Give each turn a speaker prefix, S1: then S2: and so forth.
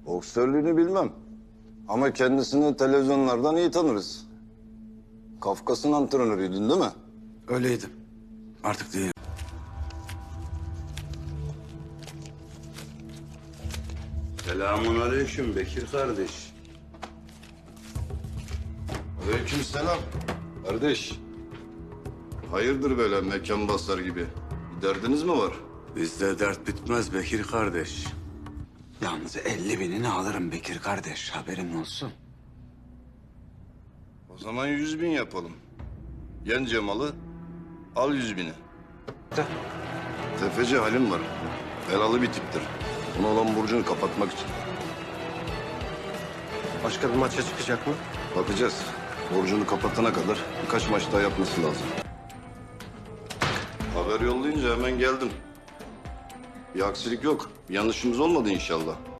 S1: Boksörlüğünü bilmem. Ama kendisini televizyonlardan iyi tanırız. Kafkas'ın antrenörüydün değil mi?
S2: Öyleydim. Artık değilim.
S3: Selamun aleyküm Bekir kardeş.
S1: Aleykümselam. Kardeş. Hayırdır böyle mekan basar gibi? Bir derdiniz mi var?
S2: Bizde dert bitmez Bekir kardeş. Yalnız 50.000'ini alırım Bekir kardeş. Haberin olsun.
S1: O zaman 100.000 yapalım. Yen Cemal'ı, al 100.000'i. Tefeci Halim var. Belalı bir tiptir. Ona olan borcunu kapatmak için.
S4: Başka bir maça çıkacak mı?
S1: Bakacağız. Borcunu kapatana kadar birkaç maç daha yapması lazım. Haber yollayınca hemen geldim. Bir aksilik yok. Bir yanlışımız olmadı inşallah.